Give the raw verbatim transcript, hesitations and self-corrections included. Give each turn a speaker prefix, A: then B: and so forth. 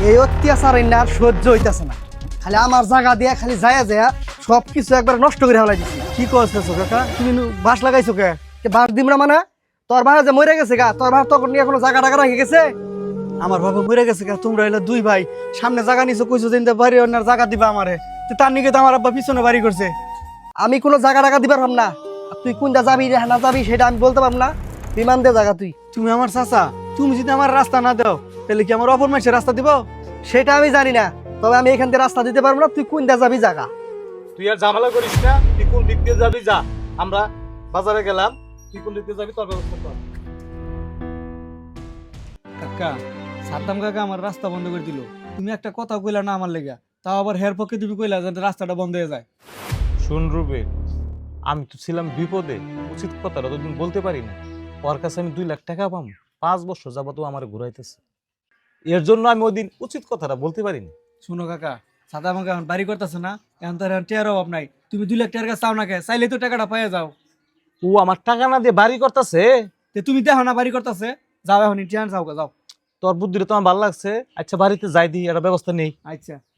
A: এই অত্যাচার না আর সহ্য হইতেছে না। খালি আমার জায়গা দিয়া খালি যায় যায় সব কিছু একবার নষ্ট করে ফেলাই দিচ্ছি। কি করতেছো কাকা? তুমি নু- বাঁশ লাগাইছো কে? কে বাঁশ দিম না মানে? তোর ভাই যে মরে গেছে গা, তোর ভাই তখন নিয়ে কোনো জায়গা টাকা রাখে গেছে? আমার বাবা মরে গেছে গা, তোমরা হইলে দুই ভাই সামনে জায়গা নিছো, কইছো যে ইন্দা বাড়ি অন্যার জায়গা দিবা আমারে। তো তার নিকে তো আমার আব্বা পিছনে বাড়ি করছে। আমি কোনো জায়গা টাকা দিবার পারব না। আর তুই কোনটা যাবি রে না যাবি সেটা আমি বলতে পারব না। বিমান দে জায়গা তুই।
B: তুমি আমার চাচা, তুমি যদি আমার রাস্তা না দাও তাহলে কি আমার অপর মানুষের রাস্তা দিব?
A: সেটা আমি জানি না, তবে আমি এখান থেকে রাস্তা দিতে পারবো না। তুই কোনটা যাবি জায়গা?
C: তুই আর ঝামেলা করিস না, তুই কোন দিক দিয়ে যাবি যা। আমরা বাজারে গেলাম, তুই কোন দিক দিয়ে যাবি তোর ব্যবস্থা কর।
B: কাকা, সাদ্দাম কাকা আমার রাস্তা বন্ধ করে দিল। তুমি একটা কথা কইলা না আমার লেগা, তাও আবার হের পক্ষে তুমি কইলা যাতে রাস্তাটা বন্ধ হয়ে যায়।
C: শুন রুবে, আমি তো ছিলাম বিপদে, উচিত কথাটা তো তুমি বলতে পারি না। ওর কাছে আমি দুই লাখ টাকা পাবো, পাঁচ বছর যাবত ও আমার ঘুরাইতেছে। এর জন্য আমি ওই দিন উচিত কথাটা বলতে পারিনি।
B: শুনো কাকা, সাদ্দাম কাকা এখন বাড়ি করতেছে না, এখন তো এখন টিয়ার অভাব নাই। তুমি দুই লাখ টাকার কাছে চাও না কে? চাইলে তো টাকাটা পাইয়া যাও।
C: ও আমার টাকা না দিয়ে বাড়ি করতেছে।
B: তে তুমি দেখো না বাড়ি করতেছে, যাও এখন টিয়ান চাও যাও।
C: তোর বুদ্ধিটা তোমার ভালো লাগছে। আচ্ছা বাড়িতে যাই দিই, একটা ব্যবস্থা নেই।
B: আচ্ছা।